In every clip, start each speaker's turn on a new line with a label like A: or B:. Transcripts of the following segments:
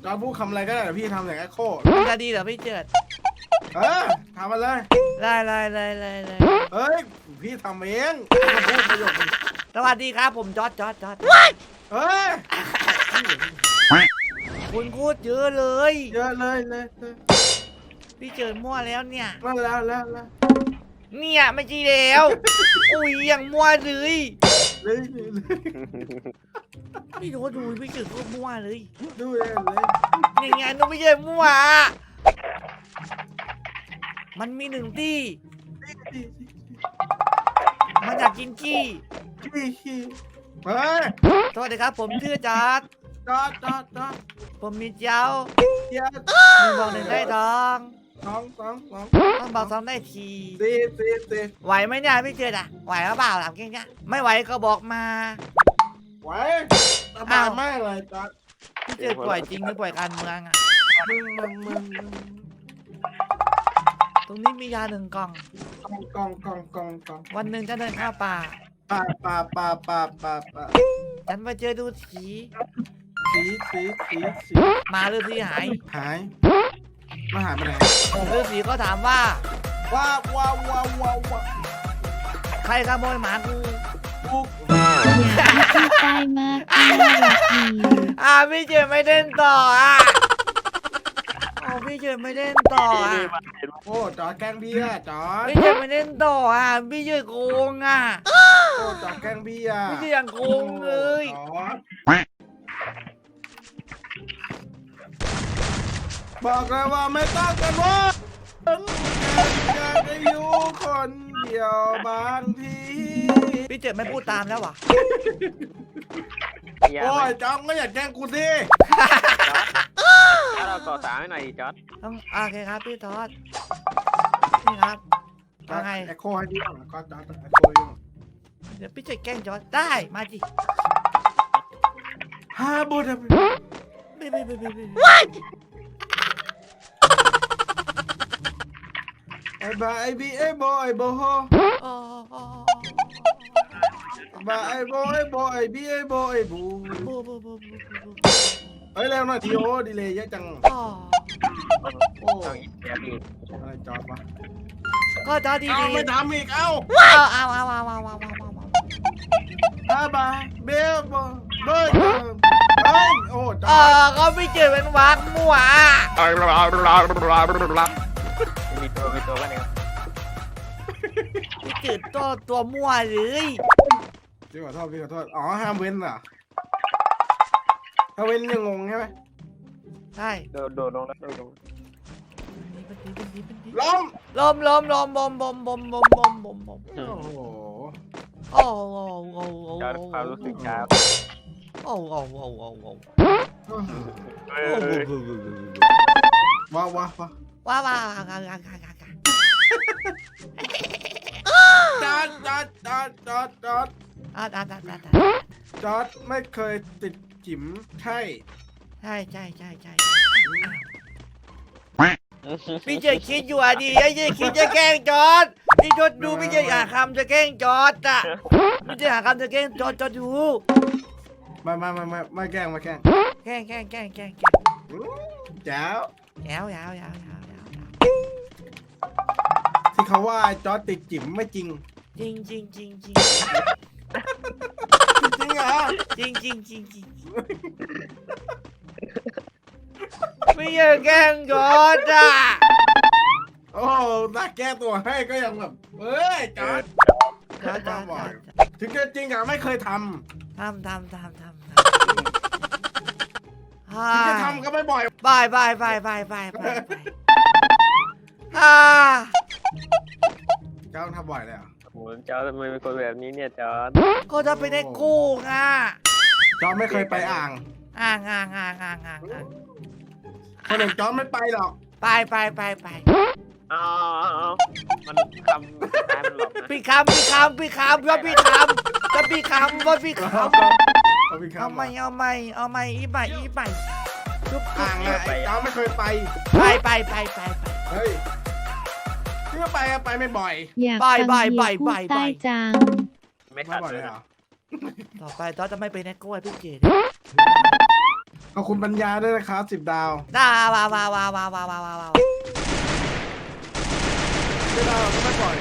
A: จอร์ดพูดคำอะไรก็ได้แต่พี่ทำอย่างแอคโค
B: มันจะดีเหรอพี่เจิด
A: ทำมาเลย
B: ได้
A: เฮ้ยพี่ทำเองพูดประโยคนึง
B: สวัสดีครับผมจอร์ด
A: เฮ้ย
B: คุณพูดเยอะเลย
A: เยอะเลย
B: พี่เจิดมั่วแล้วเนี่ย
A: มาแล้ว
B: เนี่ยไม่ใช่แล้วอุ้ยอย่างมั่วเลย
A: เลย
B: พี่โน้ตดูพี่เจิดก็มั่วเลย
A: ดูเลย
B: อย่างไงน้องไม่ใช่มั่วมันมีหนึ่งที่มันอยากกินขี้
A: เฮ้ย
B: สวัสดีครับผมชื่อจอร์ด
A: จอด
B: ผมมีเจ้า
A: เดี๋ยว
B: มีบอกหนึ่งได้ทอง
A: สอง
B: ต้องบอกสองได้ที
A: สี่
B: ไหวไหมเนี่ยพี่เจิดอะไหวหรือเปล่าถามแค่นี้ไม่ไหวก็บอกมา
A: ไว้สบายมากเลยจอด
B: พี่เจิดป่วยจริงหรือป่วยการเมืองอะ
A: มึง
B: ตรงนี้มียาหนึ่งกล่อง
A: กอง
B: วันหนึ่งจะเดินเข้าป่า
A: ปา
B: ฉันไปเจอดูสี
A: สี
B: หมาฤาษีหาย
A: หายมาหายไปไหน
B: ฤาษีก็ถามว่า
A: ว้า
B: ใครขโมยหมากู
A: ปุ๊ก
C: อย่าให้พี่ใต้มากน่ารักดี
B: พี่เจิดไม่เล่นต่อพี่เจิดไม่เล่นต่อ
A: โอ้จอดแกล้งพี่อะจอด
B: พี่เจิดไม่เล่นต่อพี่เจิดโกง
A: โอ้จอดแกล้งพี่อะ
B: พี่เจิดอย่างโกงเลย
A: บอกเลยว่าไม่ต้องกันว่าอยากจะอยู่คนเดียวบางที
B: พี่เจิดไม่พูดตามแล้ววะ
A: โอ้ยจอดก็อย่าแกล้งกูสิ
D: ถ้าเราก่อสามให้หน่อยดิจอร์ด
B: ต้องโอเคครับพี่ทอดนี่ครับว่าไง
A: แอคโคให้ดีก่อนก็จอดแอคโคให้ดีก่อน
B: เดี๋ยวพี่เจิดแกล้งจอร์ดได้มาจิ
A: ฮาบูดา
B: ไม่
A: ไอ้บ้าไอ้บีไอ้โบไอ้โบโฮ
B: อ๋อ
A: บ้าไอ้โบไอ้โบไอ้บีไอ้โบไอ้บู
B: บู
A: เฮ้ยเร็วหน่อยทีโอดีเลยเยอะจัง
B: อ๋อ
A: โอ้
D: ต้องอีกแบบนี้
A: อะไรจอดวะ
B: ก็จอร์ดดี
A: เอาไม่ทำอีกเอา
B: เอา
A: อาบาเบลบเบิร์ดเฮ้ยโอ้จอด
B: ก็พี่เจิดเป็นวักมั่ว
D: มีตัวกันเอง
B: พี่เจิดตัวมั่วเลย
A: พี่ขอโทษอ๋อห้ามเว้นเหรอถ้าเว้นยังงงใช่ไหม
B: ใช่
D: โดดลงแล้วโดดลง
A: ล้ม
B: ลมบม
A: โอ้โห
B: โอ้
D: จอร์ดความรู้สึกช้า
B: โอ้
A: ว้า
B: ว้าว
A: จอดจอดไม่เคยติดจิ๋มใช่
B: ใช่พี่เจิดคิดอยู่อ่ะดิไอ้เจิดคิดจะแกล้งจอร์ดพี่จอร์ดดูพี่เจิดหาคำจะแกล้งจอร์ดอ่ะพี่เจิดหาคำจะแกล้งจอร์ดดู
A: ไม่แกล้ง
B: แกล้ง
A: แจ๋ว
B: ยาว
A: ที่เขาว่าจอดติดจิ๋มไม่จริง
B: จริง
A: จริงเหรอ
B: ไม่อยากแกล้งจอร์ดอ่ะ
A: โอ้ถ้าแก้ตัวให้ก็ยังแบบเฮ้ยจอดถึงจะจริงอะไม่เคยทำ
B: ทำ
A: ถึงจะทำก็ไม่บ่อย
B: บาย
A: เจ้าทำบ่อยเลยอ่ะ
D: โอ้จอร์ดทำไมเป็นคนแบบนี้เนี่ยจอร์ด
B: ก็จะไปได้กู้อ่ะ
A: จอไม่เคยไปอ่าง
B: อ่าง
A: คนอื่นจอไม่ไปหรอก
B: ไป
D: อ๋อมันคำสุดท้ายมันหลอกนะ
B: พี่คำว่าพี่ทำเอาไม่อีใหม่ทุก
A: อ่างอะจอไม่เคยไป
B: ไป
A: เฮ้ยที่ไปอะไปไม่บ่อย
C: อยากฟังเมียพูดใต้จัง
D: ไม่
A: ไม่
D: ขัด
A: บ่อย
D: เล
A: เลย ยเหรอ
B: ต่อไปจอร์จจะไม่ไปแนกโก้ให้พี่เจด
A: ขอบคุณปัญญาด้วยนะครับ10 ดาว
B: ว้าว
A: 10 ดาวก็ไม่ปล่อย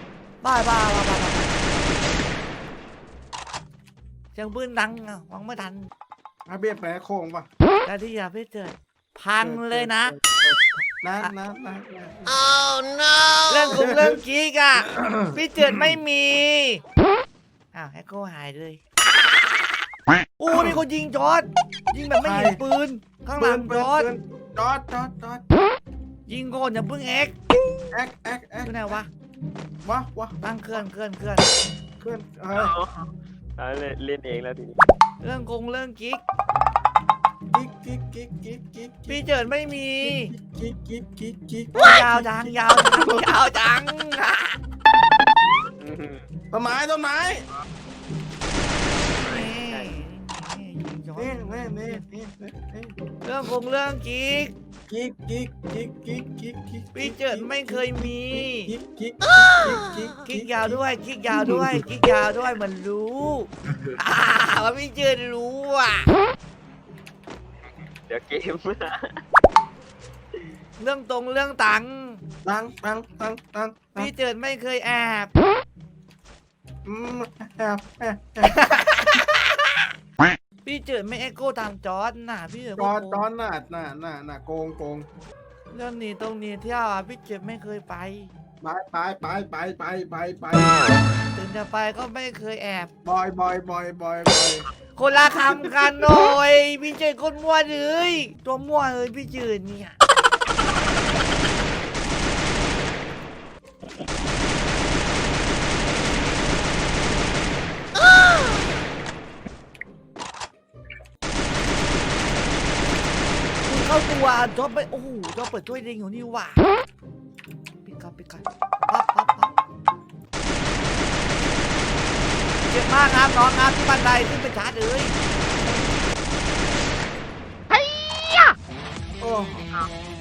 B: เสียงปืนดังอ่ะฟังไม่ทัน
A: อาเบียดไปโค้งป่ะ
B: แต่ที่อย่าพี่เจิดพังเลยนะ
A: นะ
B: เรื่องกิ๊กอ่ะ พี่เจิดไม่มีอ้าวแอคโคหายเลยโอ้มีคนยิงจอร์ดยิงแบบไม่เห็นปืนข้างหลังจอร์ด
A: จอด
B: ยิงก่อนอย่าเพิ่งเอ็ก
A: แอ๊ก
B: ที่ไหนวะ
A: วะ
B: ตั้งเคลื่อน
A: เคลื่อน
D: เอาเล่นเองแล้วทีนี้
B: เรื่องกิ๊ก
A: กิ๊ก
B: พี่เจิดไม่มี
A: กิ๊ก
B: ยาวจัง
A: ต้นไม้ต้นไม้
B: ยิงจอร์
A: นี่
B: ด เรื่องกิ๊ก
A: กิ๊ก
B: พี่เจิดไม่เคยมี
A: กิ๊ก
B: กิ๊กยาวด้วยกิ๊กยาวด้วยเหมือนรู้ว่าพี่เจิดรู้อ่ะ
D: เดี๋ยวเกม
B: เรื่องตังค์
A: ตัง
B: พี่เจิดไม่เคยแอบ พี่เจิดไม่เอ็กโก้ตามจอร์ดน่ะพี่เจิด
A: จอดน่ะโกง
B: เรื่องนี้ตรงนี้เที่ยวอ่ะพี่เจิดไม่เคยไป
A: ไป
B: ถึงจะไปก็ไม่เคยแอบ
A: บอย
B: คนละคำกันหน่อยพี่เจิดคนมั่วเลยตัวมั่วเลยพี่เจิดเนี่ยเข้าตัวจอบไปโอ้โหจอบเปิดถ้วยเด้งอยู่นี่หว่าปิดก่อนปั๊บเจ็บมากครับน้องครับที่บันไดขึ้นไปชาร์จเลย
A: โอ้